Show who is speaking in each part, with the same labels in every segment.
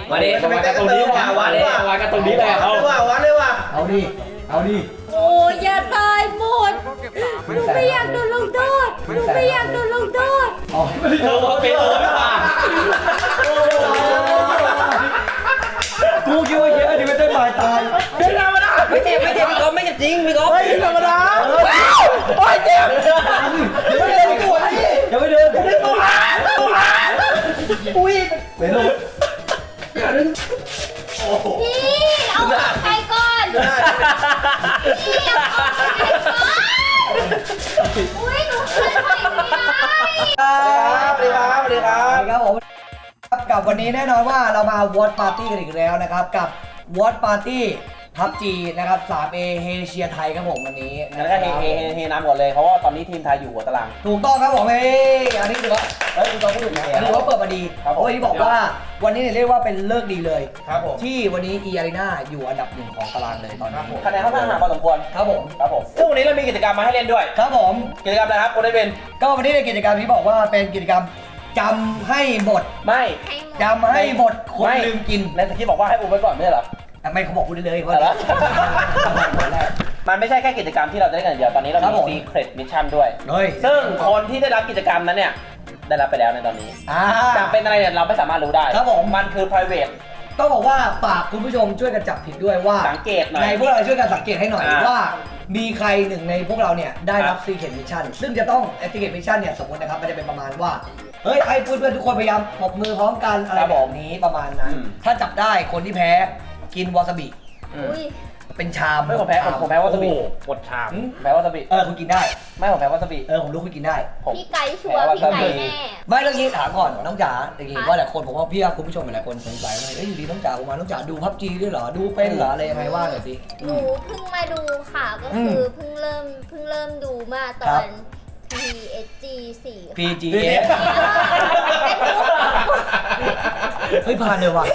Speaker 1: มาดิวัดกันตรงนี้ว่ะวัดกันตรงนี้เลยเอาวัดเลยว่ะ
Speaker 2: เอาดิ
Speaker 3: โอ้ยอย่าตายหมดหนูไม่อยากโดนลงโทษ
Speaker 2: อ๋อ
Speaker 1: เธอว่าเป็นไม่ป่ะ
Speaker 2: กูคิดว่าเยอะดิไม่ได้บายตาย
Speaker 1: เป็นธรรมดาไม่เจ็บพี่ก๊อฟไม่เจ็บจริงพี่ก๊อฟเป็นธรรมดาโอ้ยเจ็บ
Speaker 2: ไม่เดินตัวนี่อย่าไปเดินตัวอุ้ยเป็นลูก
Speaker 3: พี่เอาใครก่อนพี่เอาใครก่อนอุ้ยหนูเคยไปไม่ได้
Speaker 2: ครับผมกับวันนี้แน่นอนว่าเรามาวอตปาร์ตี้กันอีกแล้วนะครับกับวอตปาร์ตี้พับจีนะครับ 3A เฮเชียไทยครับผมวันนี้
Speaker 1: แล้วก็เฮน้ำก่อนเลยเพราะว่าตอนนี้ทีมไทยอยู่หัวตาราง
Speaker 2: ถูกต้องครับผมอันนี้ถือว่าคุณต้องพูดถึงอันนี้ว่าเปิดมาดีเพราะที่บอกว่าวันนี้เนี่ยเรียกว่าเป็นเลิกดีเลยที่วันนี้อีอารีนาอยู่อันดับ 1ของตารางเลยตอนนี้
Speaker 1: คะแนนค่อนข้างห่างพอสมควร
Speaker 2: ครับผม
Speaker 1: ซึ่งวันนี้เรามีกิจกรรมมาให้เล่นด้วย
Speaker 2: ครับผม
Speaker 1: กิจกรรมอะไรครับคุณได้เป็น
Speaker 2: ก็วันนี้ในกิจกรรมที่บอกว่าเป็นกิจกรรมจำให้หมด
Speaker 1: ไม่
Speaker 2: จำให้หมดคนลืมกิน
Speaker 1: ในสคริปต์บอกว่าให้อุ้มไว้ก่อนไม่ใช่เหรอ
Speaker 2: ไม่เขาบอกพูดได้เลยว่า
Speaker 1: มันไม่ใช่แค่กิจกรรมที่เราจะได้กันเดียวตอนนี้เรามี Secret Mission ด้วยซึ่งคนที่ได้รับกิจกรรมนั้นเนี่ยได้รับไปแล้วในตอนนี้จะเป็นอะไรเนี่ยเราไม่สามารถรู้ได้
Speaker 2: ครับผม
Speaker 1: มันคือ private
Speaker 2: ต้องบอกว่าฝากคุณผู้ชมช่วยกันจับผิดด้วยว่า
Speaker 1: สังเกตหน่อย
Speaker 2: ในพวกเราช่วยกันสังเกตให้หน่อยว่ามีใครหนึ่งในพวกเราเนี่ยได้รับ Secret Mission ซึ่งจะต้อง Secret Mission เนี่ยสมมตินะครับมันจะเป็นประมาณว่าเฮ้ยให้เพื่อนทุกคนพยายามปรบมือพร้อมกันอะไรแบบนี้ประมาณนั้นถ้าจับได้คนที่แพ้กินวาซาบิเป็นชาม
Speaker 1: ไม่ผมแพ้วาซาบิหมดชามแพ้วาซาบิ
Speaker 2: คุณกินได้
Speaker 1: ไม่ผมแพ้วาซาบิ
Speaker 2: ผมรู้คุณกินได้
Speaker 3: พี่ไก่ชัวร์พี่ไก่แน่
Speaker 2: ไม่เรื่องนี้ถามก่อนน้องจ๋าอย่างงี้ว่าหลายคนผมว่าพี่คุณผู้ชมหลายคนสงสัยว่าอยู่ดีน้องจ๋าผมมาน้องจ๋าดูพับจีด้วยเหรอดูเป็นเหรออะไรยังไงว่าหน่อยสิ
Speaker 3: หนูเพิ่งมาดูค่ะก็คือเพิ่งเริ่มดูมาตอน
Speaker 2: PGS เฮ้ยผ่านเลยว่ะ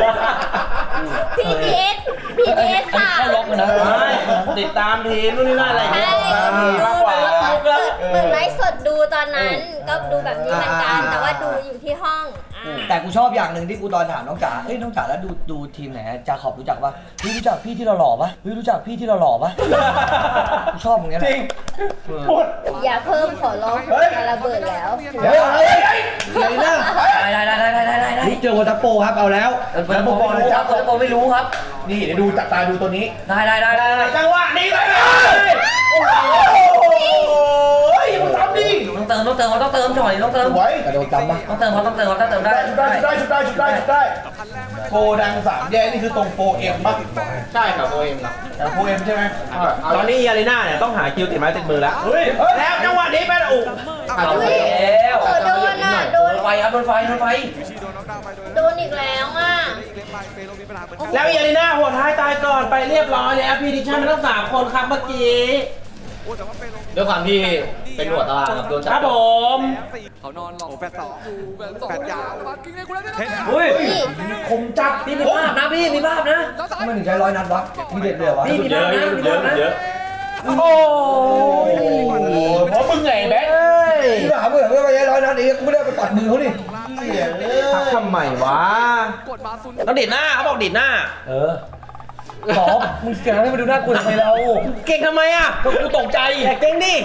Speaker 3: PGS ค่ะ
Speaker 1: เข้าล็อกนะติดตามทีมนู่นนี่นั่นอะไรอย่างเงี้ย
Speaker 3: มากกว่าเปิดไลฟ์สดดูตอนนั้นก็ดูแบบนี้เหมือนกันแต่ว่าดูอยู่ที่ห้อง
Speaker 2: แต่กูชอบอย่างหนึ่งที่กูตอนถามน้องจ๋าน้องจ๋าแล้วดูทีมไหนจาขอบรู้จักปะรู้จักพี่ที่เราหล่อปะรู้จักพี่ที่เราหล่อปะกูชอบมึงเนี่ยจริง
Speaker 3: อย่าเพิ่มขอร้องจะระเบิดแล้ว
Speaker 2: เฮ้ยนะได้เจอวอเตอร์โปครับเอาแล้ววอเตอร์โปนะจ๊ะวอเตอร์โปไม่รู้ครับนี่เดี๋ยวดูจับตาดูตัวนี้ได้
Speaker 1: จังหวะนี้เลยโอ้ยมึงทำดิ
Speaker 2: ต้องเติมจ่อยต้องเติมกระโดดจำปะต้องเติมได้
Speaker 4: ได้โฟดัง3แยกนี่คือตรงโฟเอ็มป่ะ
Speaker 1: ใช่ครับโฟเอ็มครับ
Speaker 4: แต่โฟเอ็มใช่ไหม
Speaker 1: ตอนนี้อารีนาเนี่ยต้องหาคิวติดไม้ติดมือแล้วแล้วจังหวะนี้เป็นอุ
Speaker 3: โดน
Speaker 1: ไฟครับโดนไฟ
Speaker 3: โดนอีกแล้ว
Speaker 1: แล้วอารีนาหัวท้ายตายก่อนไปเรียบร้อยแล้วพีดิชั่นทั้ง3คนครับเมื่อกี้ด้วยความที่เป็นหัวตารางครับโดนจับครับผม
Speaker 5: เขานอนหลอกแฟนต่อแฟนยาว
Speaker 1: คมจับพี่มีภาพนะพี่มีภาพนะ
Speaker 2: ทำไมถึงใช้100 นัดวะมีเด็ดเลยวะ
Speaker 1: พี่มีภาพนะเยอะโอ้โหเพราะมึงไงแบ๊ก
Speaker 2: ที่ถามว่าไม่ใช้100 นัดเองกูไม่ได้ไปปัดมือเขาดิ
Speaker 1: ทำไมวะต้องดิดหน้าเขาบอกดิดหน้า
Speaker 2: ขอมึงเสียงให้มาดูหน้ากูทำไมเรา
Speaker 1: เก่งทำไมอ่ะก็กูตกใจเก่งดิ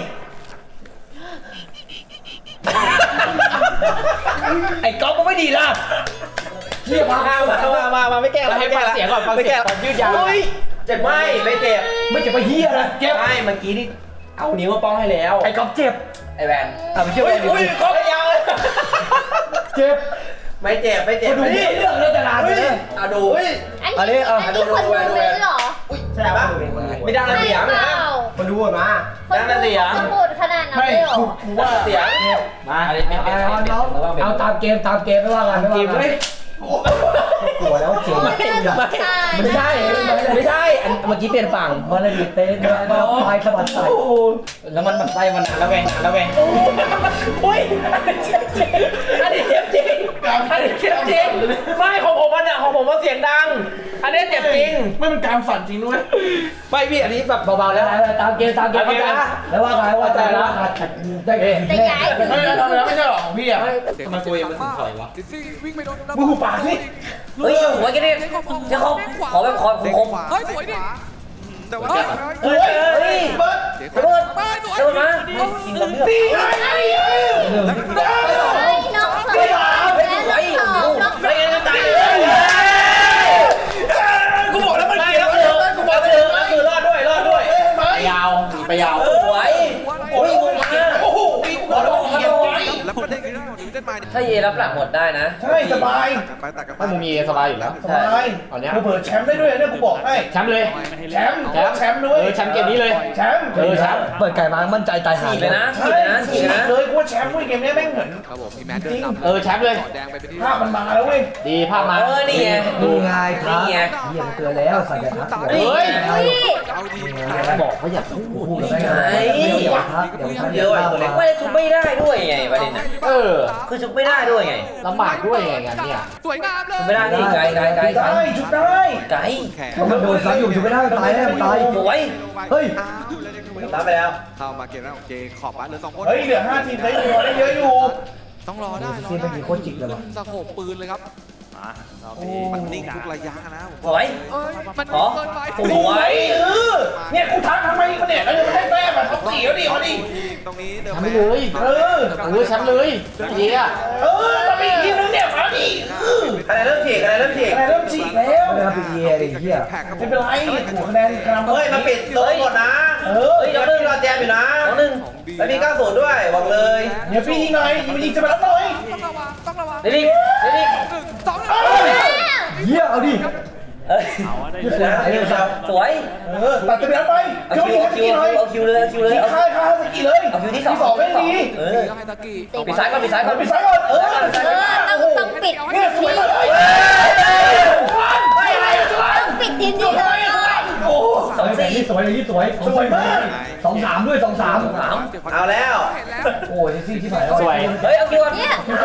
Speaker 2: ไอ้ก๊อฟมันไม่ดีล่ะ
Speaker 1: เรียกมาไม่แก้แล้วให้ฟังเสียงก่อนฟังเสียงก่อนยืดยาวเจ็บไม่เจ็บ
Speaker 2: ไม่เจ็บไปเฮียนะ
Speaker 1: เจ็บไม่เมื่อกี้นี่เอานิ้วมาป้องให้แล้ว
Speaker 2: ไอ้ก๊อฟเจ็บ
Speaker 1: ไอ้แวน
Speaker 2: ไม่เจ็บ
Speaker 1: อุ้ยก๊อฟยาว
Speaker 2: เจ็บ
Speaker 1: ไม่เจ็บ
Speaker 2: ดูเรื่องเลิกแต่นานเลย
Speaker 1: ดู
Speaker 3: อันนี้คนดูเมนหรอ
Speaker 1: ใช่ปะไม่ดังเสียงนะ
Speaker 2: มาดูมา
Speaker 1: ดังเสียง
Speaker 3: สมุดขนาดนั้นเลยหรอ
Speaker 1: กูว่าเสียงมา
Speaker 2: เอาตามเกมไม่ว่ากัน
Speaker 1: เกมเลย
Speaker 2: กลัวแล้วเจ๋ง
Speaker 1: ไม่ใช่เมื่อกี้เปลี่ยนฝั่ง
Speaker 2: มันเลยเต้นแล้วพายสะบัดใส่
Speaker 1: แล้วมันไส้มันแล้วไงอุ้ยอันนี้เจ็บจริงไม่ของผมมันเสียงดังอันนี้เจ็บจริง
Speaker 4: ไม่เป็นการฝันจริงด้วย
Speaker 1: ไม่พี่อันนี้แบบเบาๆแล้ว
Speaker 2: ตามเกมนะแล้วว่าไงว่าใจละได้
Speaker 3: แต่ย้ายถึง
Speaker 4: ไม่ได้ทำแล้วไม่ใช่หรอของพี่อ่ะ
Speaker 1: ทำไมตัวเองมันถึงถอยวะ
Speaker 5: ดิซี่วิ่งไปโดน
Speaker 4: มึงหูปากสิ
Speaker 2: เฮ้ยหัวกันดิจะเขาขอแบบคอคม
Speaker 5: เฮ้ยสวยดิแต่ว่า
Speaker 4: เฮ้ยเฮ้ยเบิร์ด
Speaker 2: เบิร์ด
Speaker 5: ไปสวย
Speaker 2: เดินมากินกับเลือด
Speaker 4: ตีไงได้
Speaker 3: น้องสองแล้วน้องสองน้อง
Speaker 1: ไม่งั้นจะตายเลย
Speaker 4: กูบอกแล้วมัน
Speaker 1: ไม่
Speaker 4: เกี่ยว
Speaker 1: แล้วกูบอกเลยก็คือรอดด้วยไปยาวไปยาว
Speaker 2: สวยโอ้ยงงมาก
Speaker 4: โอ้โหกูบอกแล้วมันเกี่ยวไว้
Speaker 5: แล้วประเด็นคือเล่นมา
Speaker 2: ถ้าเยรับหลังหมดได้นะ
Speaker 4: ใช่สบาย
Speaker 5: ไปตัดกันไป
Speaker 1: ไม่มึงมีสบายอยู่แล้ว
Speaker 4: สบาย
Speaker 1: ตอนเนี้ย
Speaker 4: เผื่อแชมป์ได้ด้วยเนี่ยกูบอกให้
Speaker 1: แชมป์เลย
Speaker 4: แชมป์แชมป์ด้วย
Speaker 1: แชมป์เกมนี้เลย
Speaker 4: แชมป์
Speaker 1: แชมป์
Speaker 2: เปิดไก่มามั่นใจตายหาเลยนะ
Speaker 4: ใช่เลยกูว่าแชมป์ด้วยเกมนี้แม่งเหมือน
Speaker 5: ครับผมมีแมทเดินนำ
Speaker 1: แชมป์เลย
Speaker 5: แดงไปเป็นที่
Speaker 4: ภาพมันมาแล้วเว้ย
Speaker 1: ดีภาพมา
Speaker 2: นี่ไง
Speaker 6: นี่ไงครับ
Speaker 2: นี่ไง
Speaker 6: เยี่ยมเตือนแล้วสัญญาทัก
Speaker 1: เฮ้ย
Speaker 3: เฮ้ย
Speaker 5: เอาดี
Speaker 6: บอกเขาอยากพูดได้ไง
Speaker 2: ไอ้
Speaker 6: เดี๋ยวทักเดี๋ยวทัก
Speaker 2: เยอะไอ้ตัวเล็กไม่ชุบไม่ได้ด้วยไงประเด็นน่ะ คือชุบไม่ได้ด้วยไง
Speaker 1: ลำบากด้วยไงงานเนี่ย
Speaker 5: สวยงามเลย
Speaker 2: ชุบไม่ได้นี่ไกล
Speaker 4: ได้ชุดได้
Speaker 2: ไกล
Speaker 5: แขก
Speaker 6: มันโดนซ้ำอยู่อยู่ไม่ได้ตายแน่ตาย
Speaker 2: สวย
Speaker 6: เฮ้ย
Speaker 2: รับไปแล้ว
Speaker 5: เข้ามาเกมแล้วโอเคขอบบ้านเหลือ2คน
Speaker 4: เฮ้ยเหลือ5ทีมได้ตัวได้เยอะอยู่
Speaker 5: ต้องรอได้รอ
Speaker 6: ซี
Speaker 5: ได้
Speaker 6: เป็นกี่โคตรจิกเลยวะ
Speaker 5: สะโขบปืนเลยครับมันนิ่งทุกระยะนะ
Speaker 2: สวย
Speaker 5: มัน
Speaker 2: อ๋อ
Speaker 5: เกินไป
Speaker 2: สวย
Speaker 4: เนี่ยกูทักทำไมกูเนี่ยแล้วยังไม่ได้แต้มอ่ะท็อป4แล้วดิเอาดิ
Speaker 5: ตรงนี้เดิม
Speaker 1: แชมป์เลย แชมป์เลยเยี่ย
Speaker 4: เรามีทีมนึงเนี่ยมาดิ
Speaker 2: อะไรเริ่มฉีกอะไรเริ่มฉีก
Speaker 4: อะไรเริ่มฉีกแล้ว
Speaker 6: ไม่ได้เป็นเยียดิเฮีย
Speaker 5: แขกครับ
Speaker 4: ไม่เป็นไรหัวคะแนนกำลัง
Speaker 2: เฮ้ยมาปิดโต๊ะหมดนะเฮ้ยเราเพิ่งรอแจมอยู่นะน้องนึงแล้วมี90ด้วยบอกเลย
Speaker 4: เดี๋ยวพี่ยิงหน่อยยิงจะมาแล้วหน่อย
Speaker 5: ต้องระวัง
Speaker 2: เดี๋ยวดิเดี๋ยวดิ
Speaker 6: เยี่ยเอาดิ
Speaker 2: เอ้ยสวย
Speaker 4: ตัดจะไปแล้วไป
Speaker 2: เอา
Speaker 4: เจ้า
Speaker 2: คิ
Speaker 4: ยิ
Speaker 2: ว
Speaker 4: ง
Speaker 2: เอา
Speaker 4: ส
Speaker 2: คิว
Speaker 4: กีหน่อย
Speaker 2: เอาคิวเลยเอาคิวเลยเอา
Speaker 4: ค่ายสกีเลย
Speaker 2: เอาคิวที่
Speaker 4: ที่
Speaker 2: 2
Speaker 4: 2ไม่ดี
Speaker 2: เออ
Speaker 5: ให้ตะกี้
Speaker 2: ปิดซ้ายก่อนปิดซ้ายก่อน
Speaker 4: ปิดซ้ายก่อน
Speaker 3: ต้องปิด
Speaker 4: เนี่ยสวยเลย
Speaker 3: ต้องปิดทีมนี้เลย
Speaker 4: โอ้
Speaker 6: 2-4สวยเลยสวย
Speaker 4: สวยมาก
Speaker 6: 2-3ด้วย2-3
Speaker 2: เอาแล้ว
Speaker 6: โอ้ยซี่ที่ไหน
Speaker 1: สวย
Speaker 2: เฮ้ยเอาคิว
Speaker 3: เนี่ย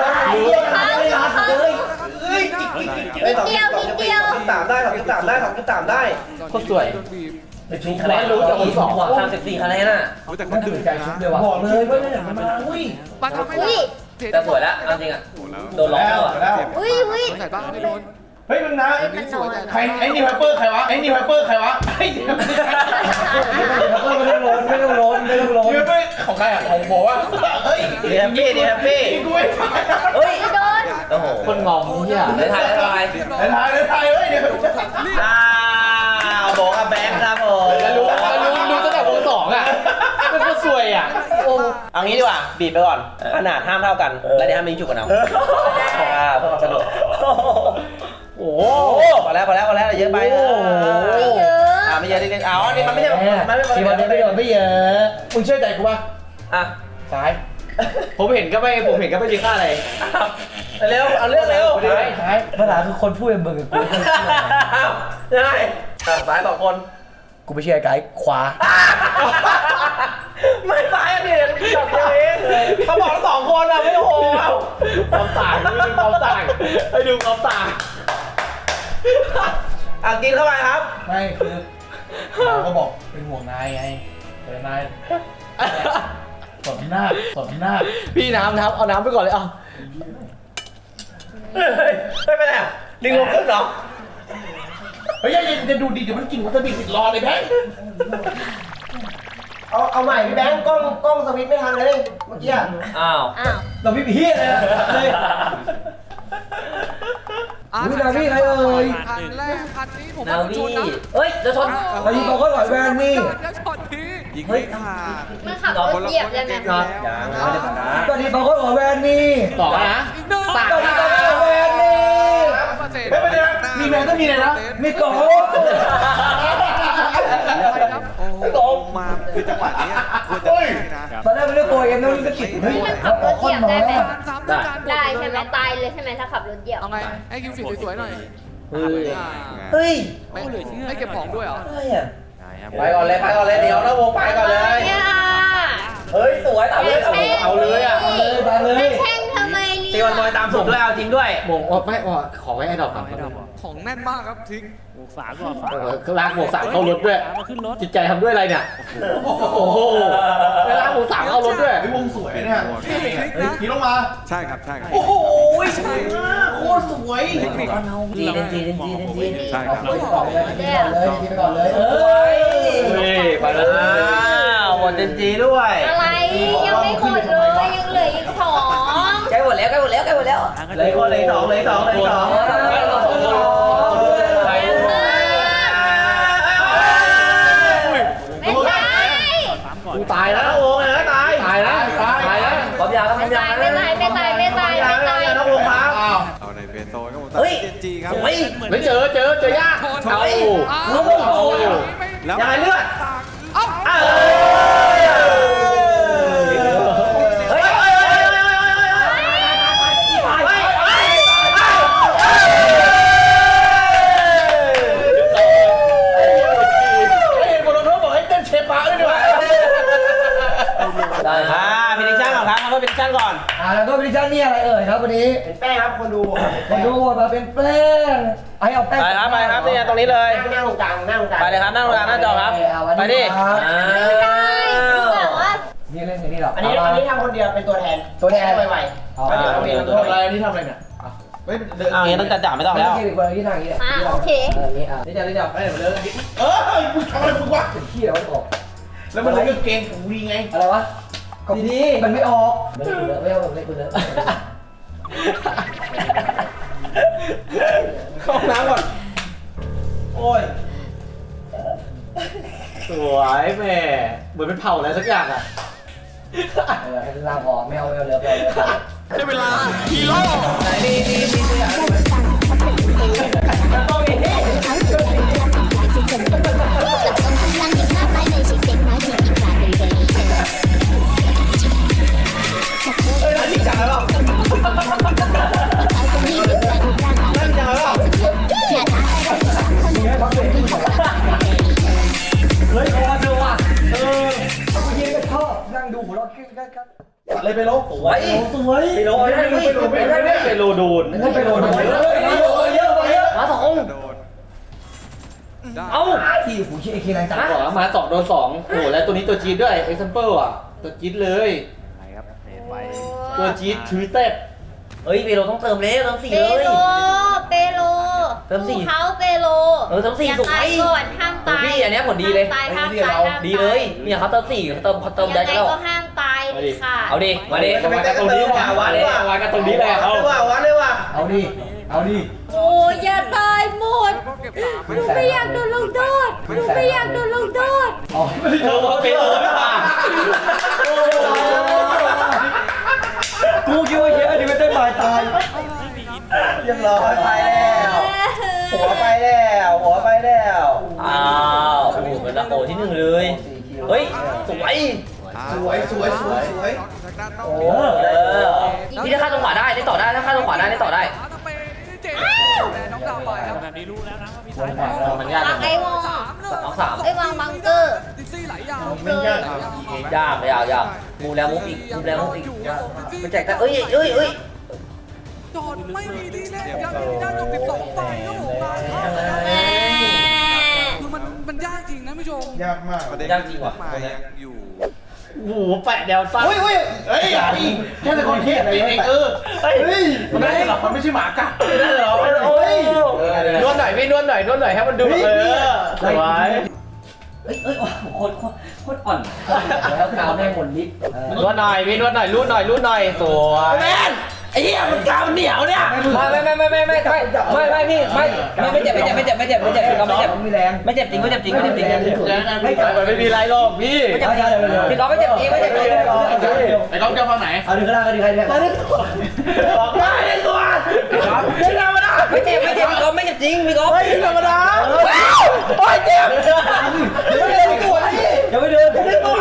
Speaker 2: ไม่สองสามได้2.3ได้
Speaker 1: โคตรสวย
Speaker 6: ชุบ
Speaker 1: คะแนนรู้จากคนสอง
Speaker 2: 34คะแนนน่ะ
Speaker 5: แต่
Speaker 6: มันตื่นใจชุบเลยว่ะ
Speaker 4: บอกเลยว่าเนี่ยมันมาอุ้ย
Speaker 5: มันทำให้
Speaker 3: อุ้ย
Speaker 2: แต่สวยแล้วเอาจริงอ่ะโดนล็อก
Speaker 4: แล้ว
Speaker 2: แล้ว
Speaker 3: อุ้ยอุ้ย
Speaker 5: ใส่บ้างไม่โดน
Speaker 4: เฮ้ยมึงนะ
Speaker 3: มันนอน
Speaker 4: ใครไอ้นี่ไวเปอร์ใครวะไอ้นี่ไวเปอร์ใครวะไอ้นี่ไวเปอร์
Speaker 6: ไม่ต้องร้อนไม่ต้องร้อนไม่ต้องร้อน
Speaker 4: ของใครอ่ะของบอกว่าเฮ้ย
Speaker 2: ดีแฮปปี้ดีแฮปปี้
Speaker 4: กินด้วย
Speaker 2: เฮ้ย
Speaker 3: โดน
Speaker 2: โอ้โห
Speaker 1: คนงอมเยี่ย
Speaker 2: ได้ถ่ายได้ถ่าย
Speaker 4: ในไทยเฮ้ยเดี๋ยว
Speaker 2: บอกกับแบงค์ครับผม
Speaker 1: แล้วรู้ตั้งแต่วงสองอ่ะมันก็สวยอ่ะ
Speaker 2: เอางี้ดีกว่าบีบไปก่อนขนาดห้ามเท่ากันแล้วเดี๋ยวห้ามมีจุกกันเอาเพื่อความสนุก
Speaker 1: โอ้
Speaker 2: พอแล้วเยอะไป
Speaker 3: ไม่เยอะ
Speaker 2: ไม่เยอะนิดนึงอ๋อนี่มันไม่ใช่มันไม่
Speaker 6: ทีมันจะไม่โดนไม่เยอะ
Speaker 4: มึงเชื่อใจกูป่ะ
Speaker 2: อ่ะ
Speaker 4: ซ้าย
Speaker 1: ผมเห็นก็ไม่มีค่าอะไร
Speaker 2: เร็วเอาเรื่องเร็ว
Speaker 4: ซ้าย
Speaker 6: ปัญหาคือคนพูดเป็นมึงกับกูไม่เชื่อ
Speaker 2: ได้สาย2 คน
Speaker 6: กูไม่เชื่อไกด์ขวา
Speaker 2: ไม่สายอันนี้จับตัวเองเขาบอก2 คนอ่ะไม่โห
Speaker 1: ความต่างนี่เป็นความต่างให้ดูความต่าง
Speaker 2: กินเข้าไปครับ
Speaker 4: ไม่คือเราก็บอกเป็นห่วงนายไงแต่นายสดหน้า
Speaker 1: พี่น้ำเอาน้ำไปก่อนเลยเอา
Speaker 2: ไม่เป็นไรลิงลงขึ้นเหรอ
Speaker 4: เฮ้ยจะดูดีเดี๋ยวมันกินวัตถุดิบติดรอเลยแบงค์
Speaker 2: เอาใหม่พี่แบงค์กล้องสวิตช์ไม่ทันเลยเมื่อกี้อ้าว
Speaker 3: อ้าว
Speaker 6: เราพี่เฮียเลยเลย นาวี่ใครเอ่ย
Speaker 5: คันแรกคันนี้ผม
Speaker 2: นา
Speaker 5: ว่า
Speaker 2: วี
Speaker 5: ชนนะ
Speaker 2: เฮ้ยจะชน
Speaker 6: ไปยิงเขาก็หลอยแวนนี่
Speaker 5: แล้วช็อตนี้ยิง
Speaker 2: เฮ้ย
Speaker 3: มันขับรถเหยียบเลยไหม
Speaker 2: ยังไม่ได้ชนะ
Speaker 6: ตอนนี้เขาก็หลอยแวนนี่
Speaker 1: ต่อนะ
Speaker 5: อีกหนึ่ง
Speaker 6: ตอนนี้เขาก็หลอยแวนนี่
Speaker 4: ไม่เป็นไรมีแมนก็มีเลยนะ
Speaker 6: มีโก
Speaker 5: โอ้โหมาคือจังหวะนี้ควรจะได้นะ
Speaker 6: ตอนแรกไม่ได้ตัวเองนะมันก็ติดเฮ้ย
Speaker 3: มันขับรถเหยียบได้ไหม
Speaker 5: ได้
Speaker 3: ได้ใช่ไหมตายเลยใช่ไหมถ้าขับรถเหยียบ
Speaker 5: เอาไงให้คิวฟีดสวยๆหน่อย
Speaker 2: เฮ้ย
Speaker 5: ไม่เก็บของด้วยเหรอ
Speaker 2: อะไรอ่ะไปก่อนเลยเดี๋ยวนะวงไปก่อนเลย
Speaker 3: เนี่ย
Speaker 2: เฮ้ยสวยเอาเลย
Speaker 1: เอาเลยอ่ะ
Speaker 6: ตามเลย
Speaker 3: ไม่แข่งทำไมเนี่ย
Speaker 1: ตีวันบอยตามสูตรด้วยเอาจริงด้วย
Speaker 6: หมงไม่ขอไว้ไอ้ดอกก่อน
Speaker 5: ของแน่นมากครับทิ้ง
Speaker 6: ลากหมวกสามเข้ารถด้วยจิตใจทำด้วยอะไรเนี่ยโอ้โหลากหมวกสามเข้ารถด้วย
Speaker 4: ไอ้วงสวยเนี่ยขี่ลงมา
Speaker 5: ใช่ครับใช่ครับ
Speaker 4: โอ้โหสวยมากโคตรสวย
Speaker 5: เทคนิค
Speaker 2: จีน
Speaker 5: ใช่ครับ
Speaker 6: ไปก่อนเลยไปก่อนเลย
Speaker 2: เอ้ย
Speaker 6: ไปแล้ว
Speaker 1: หมดเจนจีด้วย
Speaker 3: อะไรยังไม่หมดเลยยังเหลืออีกสอง
Speaker 2: ใกล้หมดแล้ว
Speaker 1: เลยคนเลยสองเลยสองเลยสอง
Speaker 3: ไม่ใช่
Speaker 6: กูตายแล้ว
Speaker 1: น้องวงนะตาย
Speaker 6: ตายแล้วตายแล้ว
Speaker 2: ความยาวครับ
Speaker 3: ไม่ตายไม่ตายไม่ตายไม่ตายไม่ตาย
Speaker 1: น้องวงครับ
Speaker 5: เอาในเฟโซนครับผม
Speaker 2: เฮ้ย
Speaker 5: เจนจีครับ
Speaker 6: ไม่เจอยากเอา
Speaker 1: ยังไงเลือด
Speaker 2: เฮ้ย
Speaker 6: บอลโทบอกให้เต้นเชฟบ้าด้วยดีกว่า
Speaker 1: พินิชั่นก่อนครับเขาพินิชั่นก่อน
Speaker 2: แล้วก็วิชั่นนี่อะไรเอ่ยครับวันนี้
Speaker 1: เป็นแป้งครับคนดู
Speaker 2: คนดูมาเป็นแป้งไอ้เอาแป้ง
Speaker 1: ไปครับนี่ตรงนี้เลย
Speaker 6: นั่งตรงกลางนั่งตรงกลาง
Speaker 1: ไปเลยครับนั่งตรงกลางหน้าจอครับไปดิ
Speaker 3: ไม่ได้คือแบบว่า
Speaker 2: นี่เล่นอย่างนี้หรอ
Speaker 6: อันนี้ทำคนเดียวเป็นตัวแทน
Speaker 2: ตัวแทน
Speaker 6: ไวๆเดี๋ยวเราเรียนทำอะไรนี่ทำอะไรเนี่ย
Speaker 1: เอาอย่างนี้ต้องจัดไม่ต้องแล้ว
Speaker 2: ไม่ใช่คนที่ทางนี้
Speaker 3: โอเค
Speaker 2: นี่
Speaker 6: นี่จะไปไหนมาเลย
Speaker 4: เอ้ยมึงทำอะไรมึงวะ
Speaker 2: ขี้เราออก
Speaker 4: แล้วมันเลือกเกงของวีไง
Speaker 2: อะไรวะดีๆมันไม่ออกไม่เอาเล่นคุณเลย
Speaker 1: เข้าห้องน้ำก่อน โอ้ย
Speaker 6: สวยแม่เหมือนเป็นเผาอะไรสักอย่างอ่ะ
Speaker 2: ให้ล่างพอไม่เอาเรือไป
Speaker 5: ได้เวลาฮีโร่
Speaker 2: เฮ้ยพอดูว่ะเย็นก็ชอบนั่งดูหัวเราะกัน
Speaker 4: อะไรไปลบ
Speaker 2: สวย
Speaker 6: ไปโลไปโลโดน
Speaker 2: นั่นไปโดนเยอะมาสอง
Speaker 5: โดนได้
Speaker 2: เอ้าที่หูคิดไอ้คีแรงจัง
Speaker 6: บอกแล้วมา2 โดน 2โอ้โหแล้วตัวนี้ตัวจี๊ดด้วยเอ็กซัมเปิลอ่ะตัวจี๊ดเลย
Speaker 5: ไปครับเห็นไป
Speaker 6: ตัวจี๊ดถือเต็ด
Speaker 2: เฮ้ยเปโลต้องเติมเลยเติมสี่
Speaker 3: เป
Speaker 2: เลย
Speaker 3: โลเปโล
Speaker 2: เติมสี่
Speaker 3: เขาเปโล
Speaker 2: เติมสี่
Speaker 3: อย่า
Speaker 2: สุก
Speaker 3: ตายก่อนห้ามตาย
Speaker 2: พี่อันนี้ผลดีเลย
Speaker 3: ห้ามตายห้ามตาย
Speaker 2: ดีเลยเนี่ยเขาเติมสี่เขาเติมได้
Speaker 3: ยังไง
Speaker 2: แล้ว
Speaker 3: ก็ห้ามตายดิค่ะ
Speaker 2: เอาดิมาดิ
Speaker 6: วัดกันตรงนี้ว่ะวัดกันตรงนี้แหละเอา
Speaker 1: วัดเลยว่ะ
Speaker 2: เอาดิเอาดิ
Speaker 3: โอ้ยอย่าตายหมด
Speaker 5: ก็เก็บสาม
Speaker 3: หนูไม่อยากโดนลงโทษหนูไม่อยากโดนลงโทษ
Speaker 2: อ๋อ
Speaker 6: เออไปโลไม่ผ่าน
Speaker 2: กูคิดว่าเยอะดิไม่ได้หมายตาย
Speaker 1: เรียบร้อยไปแล้วหัวไปแล้วหัวไปแล้ว
Speaker 2: อ้าวโอ้โหเป็นละโอที่หนึ่งเลยเฮ้ยสวย
Speaker 4: สวย
Speaker 5: ทางด้านนอก
Speaker 2: โอ้พี่ถ้าข้าตรงขวาได้ได้ต่อได้ถ้าข้าตรงขวาได้ได้ต่อได้
Speaker 5: ถ้าไปเจ๋งแต่น้องดาวไปครับแบบนี้รู้แล้วนะว่ามีสาย
Speaker 6: มันยาก
Speaker 3: วางไอ้วง
Speaker 2: สองสาม
Speaker 3: ไอ้วางบังเกอร์
Speaker 5: ดิซี่ไหลยาว
Speaker 3: เลย
Speaker 2: ยากเลยยากมูแล้วมุกอีกมูแล้วมุกอีกไปแจกแต่เอ้ย
Speaker 5: จอดไม่มีที่เล่นยังมีด้านจบ12 ไปครับผมมาครับ
Speaker 3: แม่
Speaker 5: คือมันยากจริงนะผู้ชม
Speaker 4: ยากมาก
Speaker 2: ยากจริงว่ะ
Speaker 5: มายังอยู่
Speaker 6: โอ้โหแปะแนวสั้น
Speaker 4: เฮ้ยอย่าดิแค่เป็นคนเทศเองเฮ้ยมันไม่ใช่หรอกมันไม่ใช่หมากัด
Speaker 6: ได้เหรอโอ้ยนวดหน่อยพี่นวดหน่อยให้มันดูสวย
Speaker 2: เอ้ยโคตรอ่อนแล้วกาวแม่งหมดลิฟต์
Speaker 6: นวดหน่อยพี่นวดหน่อยรูดหน่อยสวยแม่นไอ้เหี้ยมันกาวเหนียวเนี่ย
Speaker 2: ไม่เจ็บก็ไม่เจ็บไม่แรงไม่เจ็บจริงไม่เจ็บจริง
Speaker 6: มันไม่มีไรหรอกพี่
Speaker 2: พี่ก๊อฟไม่เจ็บจริงไม่เจ็บจริง
Speaker 4: ไอ้ก๊อฟจะฟังไหน
Speaker 2: เอาดึงก็ได้ก็ดีใครเนี่ย
Speaker 6: บอกได้เลยตัวไม่ธรรมดา
Speaker 2: ไม่เจ็บพี่ก๊อฟไม่เจ็บจริงพี่ก๊อฟ
Speaker 6: ไม่ธรรมดาโอ้ยเจ็บ
Speaker 2: ไม่เจ็บไม่ปวดอย่าไปเดิน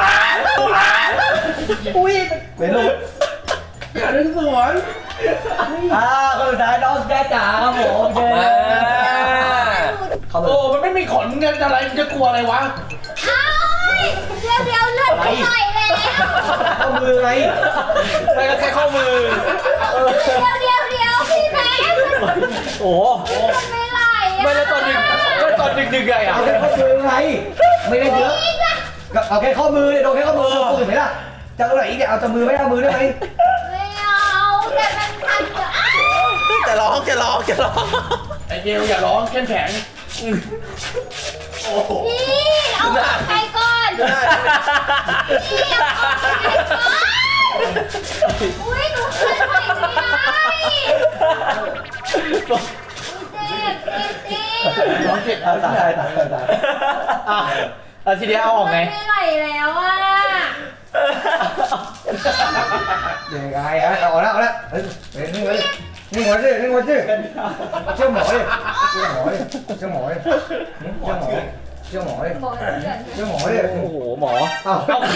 Speaker 6: อุ้ย
Speaker 2: เป็นลูก
Speaker 4: อย่าดึงสวน
Speaker 2: คนสุดท้ายน้องแจ๊จ๋าครับผมเจอ
Speaker 4: โอ้มันไม่มีขนเงินอะไรจะกลัวอะไรวะ
Speaker 3: เอ้ยเดี๋ยวเลือดไปหน่อยแล้ว
Speaker 2: ข้อมือไง
Speaker 1: ไม่ก็แค่ข้อมือ
Speaker 3: เดี๋ยวพี่แม็ก
Speaker 6: โอ้โห
Speaker 3: มันไม่ไหลอ่ะ
Speaker 1: ไม่แล้วตอนดึกไงอ่ะ
Speaker 2: เอาแค่ข้อมือไงไม่ได้เยอะก็เอาแค่ข้อมือเนี่ยโดนแค่ข้อมือปืนไหมล่ะจะเอาไหนอีกเนี่ยเอาแต่มือไม่เอามือได้ไหม
Speaker 3: ไม่เอาแต่มันทันเดี๋ยวอ้าว
Speaker 1: จะร้อง
Speaker 6: ไอเกลอย่าร้องเข้มแข็ง
Speaker 3: พี่เอาออกไปก่อนพี่เอาออกไปก่อนอุ้ยหนูขึ้นไปไม่ได้เจ็บ
Speaker 6: ร้องเจ็บ
Speaker 2: เอาตาย
Speaker 6: อ่ะแล้วทีเดียวเอาออกไง
Speaker 3: ไม่ไหลแล้วอ่ะ
Speaker 2: ยังไงฮะเอาละเฮ้ยนี่หัวชื่อเชื่อหมอดิเชื่อหมอดิ
Speaker 3: บอกเถื่อน
Speaker 6: โอ้โหหมอ
Speaker 2: เอา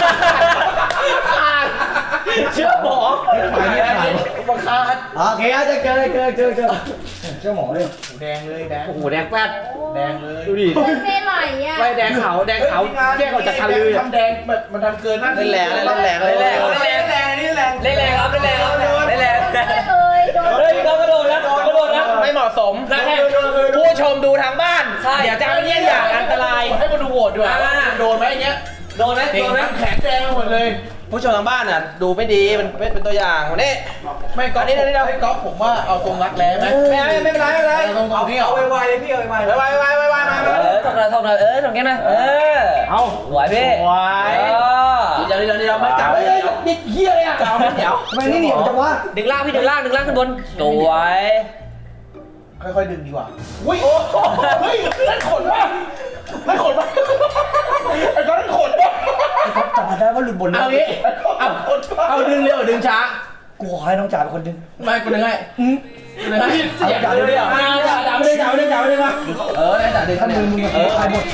Speaker 6: เชื่อหมอบังคับ
Speaker 2: โอเคจะเจอเชื่อหมอดิ
Speaker 4: แดงเลยแดง
Speaker 6: โอ้โหแดงแป๊ด
Speaker 4: แดงเลย
Speaker 6: ดูดิ
Speaker 3: ไม่ไหลอ่ะ
Speaker 6: ไม่แดงขาวแยกออกจากทะลือ
Speaker 4: ทำแดงมันดันเกินหน้า
Speaker 1: เล่นแรงนี่แรง
Speaker 4: แรงนี่แรง
Speaker 6: เล่นแรงครับเล่นแรงครับเล่นแรง
Speaker 3: เลยโดน
Speaker 6: เฮ้ยเรากระโดดนะกระโดดนะ
Speaker 1: ไม่เหมาะสม
Speaker 6: นะแค่
Speaker 1: ผู้ชมดูทางบ้าน เดี๋ยวจะเป็นเยี่ยงอย่างอันตราย
Speaker 4: ให้มาดูโหวตดีกว่าว่าโดนไหมอย่างเงี้ย
Speaker 6: โดนไหมโดนไหม
Speaker 4: แขนแดงไปหมดเลย
Speaker 1: ผู้ชมทางบ้านอ่ะดูไม่ดีมันเป็นตัวอย่างวันนี้
Speaker 4: ไม่ก๊อฟนี่เราให้ก๊อฟผมว่าเอาตรงรักแร้ไหม
Speaker 1: ไม่เป็นไร
Speaker 4: เอาตรงที่เอาไวๆเลยพี่เอาไวๆ
Speaker 1: ไวมา
Speaker 7: ทำหน่อยทำแค่นั้น
Speaker 6: เอา
Speaker 7: ไหวพี่
Speaker 1: เดี๋ยวไม่จับ
Speaker 2: นี่เหี้ยเลยอ่ะ
Speaker 1: จับไม่เดี๋ยว
Speaker 2: ทำไมนี่จังวะ
Speaker 7: ดึงล่างพี่ดึงล่างขึ้นบนสวย
Speaker 4: ค่อยๆดึงดีกว่าอุ้ยเฮ้ยนั่นขนป่ะนั่นขนป่ะไอ้ก๊อฟนั่นขนป่ะ
Speaker 2: จับได้ว่าหลุดบน
Speaker 1: เอางี้เอาดึงเร็วดึงช้า
Speaker 2: กูขอให้น้องจ่าเป็นคนดึง
Speaker 1: ไม่กูดึงให้
Speaker 2: เอาจ่าดึงเลยอ่ะ
Speaker 1: จับไม่ได้มาได้จับดึง
Speaker 2: ถ้ามือมึงใครหมด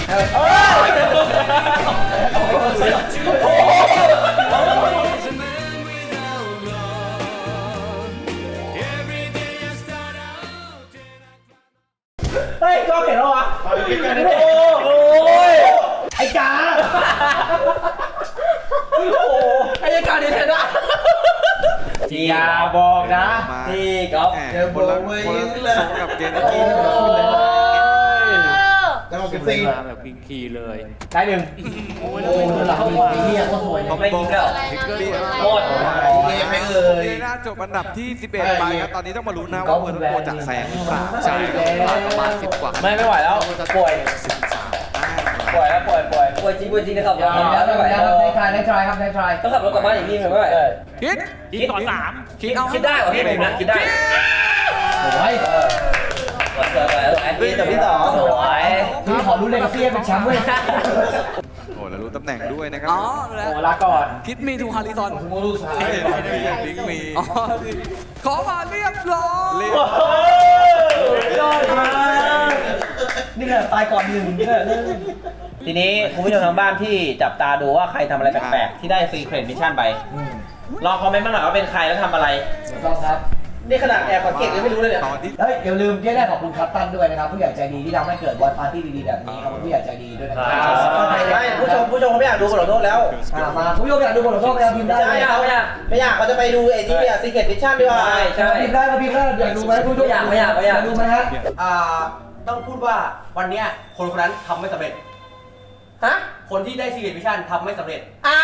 Speaker 1: เฮ้ยก็เห็นแล้ววะ
Speaker 6: โอ้ย
Speaker 2: ไอ้จ่า
Speaker 1: ไอ้การดีเทนอะ
Speaker 6: อย่าบอกนะ
Speaker 7: พี่ก๊อฟ
Speaker 4: เจอโบว์เว้ยเลย
Speaker 5: กับเกมเมื่อกี้นะครับ
Speaker 4: แล้วก็เก็บตี
Speaker 5: แบบพิงคีเลย
Speaker 6: ได้หนึ่ง
Speaker 2: โอ้หลังไอ้เหี้ยก็สวย
Speaker 7: เขาไม่ยิงแล้ว
Speaker 3: อะไรนะ
Speaker 7: หมด
Speaker 4: เกมไม่เอ่ย
Speaker 5: น่าจบอันดับที่ 11 ไปครับ ตอนนี้ต้องมาลุ้นนะว่าเวอร์โกจะแซงหรือเปล่าใช่ครับประมาณ10 กว่า
Speaker 6: ไม่ไหวแล้วป่วย
Speaker 7: ปล่อยจริงนะครับ
Speaker 2: แล้วไม่ไหวแล้วในทรายครับในทราย
Speaker 7: ต้องขับรถกลับบ้านอย่างนี้ไม่ไหว
Speaker 5: คิดก่อน3คิดเอา
Speaker 7: คิดได้เหรอพี่ผมนะคิดได้
Speaker 2: โอ้ย
Speaker 7: สวยแอนดี้ตัวที่สองสวย
Speaker 2: พี่ขอรู้เลยกับเซียเป็นแชมป์เว้ย
Speaker 5: โอ้แล้วรู้ตำแหน่งด้วยนะครับ
Speaker 6: โอ้ลาก่อน
Speaker 5: คิดมีทูฮาริซอน
Speaker 4: โมลูซ้าย
Speaker 5: ลิงมีขอมาเรียบร้อย
Speaker 6: ยอดมาก
Speaker 2: นี่แหละตายก่อนหนึ่งเนี่ย
Speaker 1: ทีนี้คุณผู้ชมทางบ้านที่จับตาดูว่าใครทำอะไรแปลกๆที่ได้ซีเครตมิชชั่นไปลองคอมเมนต์มาหน่อยว่าเป็นใครแล้วทำอะไร
Speaker 2: ต้องครับ
Speaker 1: นี่ขนาดแอบสังเกตยังไม่รู้เลยเนี่ย
Speaker 5: ตอนที่
Speaker 2: เฮ้ยอย่าลืมที่ได้ขอบคุณคัตตันด้วยนะครับผู้ใหญ่ใจดีที่ทำให้เกิดบอลปาร์ตี้ดีๆแบบนี้ขอบคุณผู้ใหญ่ใจดีด้วยนะครับ
Speaker 1: ไม่ผู้ชมเขาไม่อยากดูบทลงโทษแล้ว
Speaker 2: มาคุณผู้ชมอยากดูบทลงโทษไหมครับพิมพ์ได้
Speaker 1: ไม่อยากเขาจะไปดูไอ้ที่ซีเครตมิชชั่นดีกว่า
Speaker 2: พิมพ์ได้มาพิมพ์ได้อยากดูไหมคุณผู้ชมอยากดูไหมฮะ
Speaker 8: ต้องพูดว่าวันเนี้ยคนคนนั้นทำไม่สำเร็จ
Speaker 1: ฮะ
Speaker 8: คนที่ได้ซีเรียสมิชชั่นทำไม่สำเร็จ
Speaker 1: อ้าว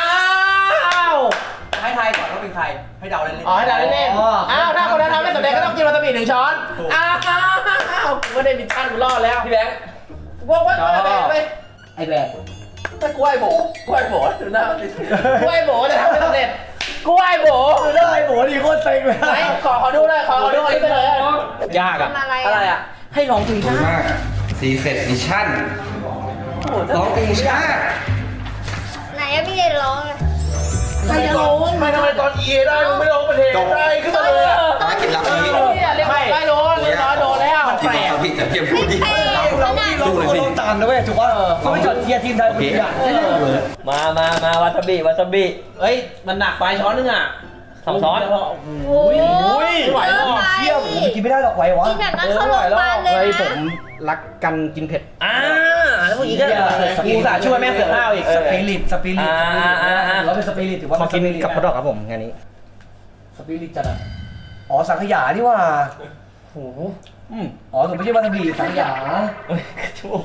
Speaker 8: ให้ทายก่อนว่าเป็นใคร ให้เดาเล่นๆ
Speaker 1: อ๋อให้ด่าเล่นๆอ้าวถ้าคนนั้นทำไม่สำเร็จก็ต้องกินวาซาบิ1 ช้อนอ้าวกูไม่ได้มิชชั่นกูรอดแล้ว
Speaker 7: พี่แบงค์
Speaker 1: ว่าไป
Speaker 2: ไอ้แบก
Speaker 1: ถ้ากล้วยโบดูหน้ากล้วยโบจะทำไม่สำเร็จกล้วยโบ
Speaker 2: ได้โหดีโคตรเซ็งเลย
Speaker 1: ไหนขอดูเลยขอดูอันนี้ไปเลย
Speaker 6: ยากอ่ะ
Speaker 3: ทำอะไร
Speaker 7: อะไร
Speaker 3: อ่ะ
Speaker 7: อ่ะให้ร้องเพลงชาติ
Speaker 9: ซีเซ็ตมิชชั่นร้องเพลงชาติ
Speaker 3: ไหนอะพี่เดนร้องเลย
Speaker 1: ใครจะร้องไม่ทำไมตอน EA ได้มึงไม่ร้องประเทศได้ขึ้นมาเลยอ่ะ
Speaker 9: มากินรับนี้
Speaker 1: เรียกไม่โดนเรียบร้อยโดนแล้ว
Speaker 9: กินรับพี่แต่เพียงพูดดิ
Speaker 2: เราตามนะเว้ยถูกว่าเขาไม่จดเชียร์ทีมไทยคนเดียว
Speaker 7: มาวาซาบิ
Speaker 1: เฮ้ยมันหนักไปช้อนนึงอ่ะ
Speaker 7: 2 ช้อน
Speaker 3: โอ้ย
Speaker 1: ไม่ไหวแล้ว
Speaker 2: เชี่ยผมกินไม่ได้หรอกไหววะ
Speaker 3: กินแบบนั้นเข้าโรงพยาบาลเลย
Speaker 6: เฮ้ย
Speaker 3: นะ
Speaker 6: ผมรักกันกินเผ็ด
Speaker 7: อ่า
Speaker 1: แล้วพวกนี้ก็กูสาช่วยแม่เสือห้าวอีก
Speaker 2: สปิริตถือว่าเป็นสปิริตถือว่า
Speaker 1: ขอ
Speaker 2: เป็น
Speaker 1: กิ
Speaker 2: ส
Speaker 1: น
Speaker 2: ปิริต
Speaker 1: กับพอดอกครับผมงานนี้
Speaker 2: สปิริตจัดอ่ะอ๋อสังขยานี่ว่า
Speaker 1: โอ้โห
Speaker 2: อ๋อผมไม่ใช่วาซาบิสังขยา
Speaker 1: จมูก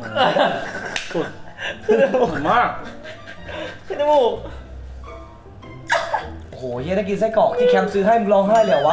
Speaker 1: สุดมากขึ้นจมูก
Speaker 2: โอ้โหเฮียถ้ากินไส้กรอกที่แคมป์ซื้อให้มึงร้องไห้เลยเหรอวะ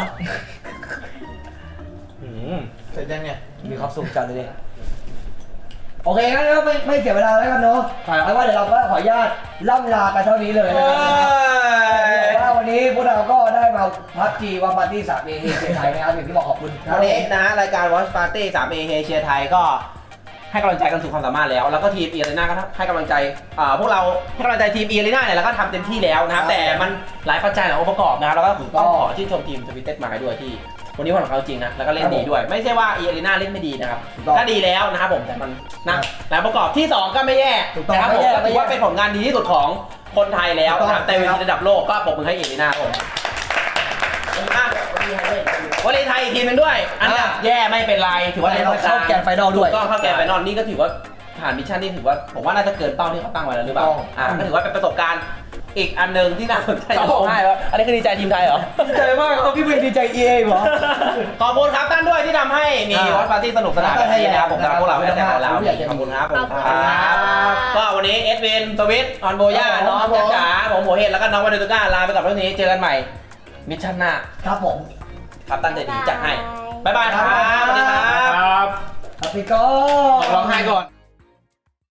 Speaker 4: เสร็จยังเนี่ย
Speaker 2: มีความสุขจัดเลยดิโอเคงั้นก็ไม่เสียเวลาแล้วกันเนาะเอาว่าเดี๋ยวเราก็ขออนุญาตล่ำลากันเท่านี้เลยนะครับว่าวันนี้พวกเราก็ได้มาพับจีวันปาร์ตี้3 เอเชียไทยนะครับอย่างที่บอกขอบคุณ
Speaker 1: วันนี้นะรายการ Watch Party 3 A เชียร์ไทยก็ให้กำลังใจกันสุดความสามารถแล้วแล้วก็ทีมเอเรน่าก็ให้กำลังใจพวกเราให้กำลังใจทีมเอเรน่าเนี่ยแล้วก็ทำเต็มที่แล้วนะครับแต่มันหลายปัจจัยหลายองค์ประกอบนะครับแล้วก็ต้องขอชื่นชมทีมสวิตเต็ดมาด้วยที่วันนี้ของเขาจริงนะแล้วก็เล่นดีด้วยไม่ใช่ว่าเอเรน่าเล่นไม่ดีนะครับก็ดีแล้วนะครับผมแต่มันนะหลายประกอบที่ 2 ก็ไม่แย่นะครับผมถือว่าเป็นผลงานดีที่สุดของคนไทยแล้วนะครับแต่เวทีระดับโลกก็ปรบมือให้เอเรน่าผมวอลเลย์ไทยอีกทีมนึงด้วยอันดับแย่ไม่เป็นไรถือว่า
Speaker 2: เราเข้าแกนไฟนอลด้วย
Speaker 1: ก็เข้าแกนไฟนอลนี่ก็ถือว่าผ่านมิชชั่นนี่ถือว่าผมว่าน่าจะเกินเป้าที่เขาตั้งไว้แล้วหรือเปล่าก็ถือว่าเป็นประสบการณ์อีกอันหนึ่งที่น่าสนใจจะบอกให้ว่าอันนี้คือดีใจทีมไทยเหรอ
Speaker 2: ดีใจมากครับพี่เวย์ดีใจ EA เหรอ
Speaker 1: ขอบคุณครับท่านด้วยที่ทำให้มีวอตปาร์ตี้สนุกสนานแบบนี้นะครับผมสำหรับพวกเราไม่ได้แต่ของเราขอบคุณครับผมครับก็วันนี้เอสวินสวิตออนโบย่าน้องจ๋าผมโหเห็นแล้วก็น้องวันเดตุก้าลาไปกับเรื่องนี้เจอกันใหม่มิชชั่นหน้า
Speaker 2: ครับผม
Speaker 1: ครับตั้งใจดีจัดให้บ๊ายบายครับสวัสดีครับ
Speaker 2: ครับพี่ก็
Speaker 6: ร้องไห้ก่อน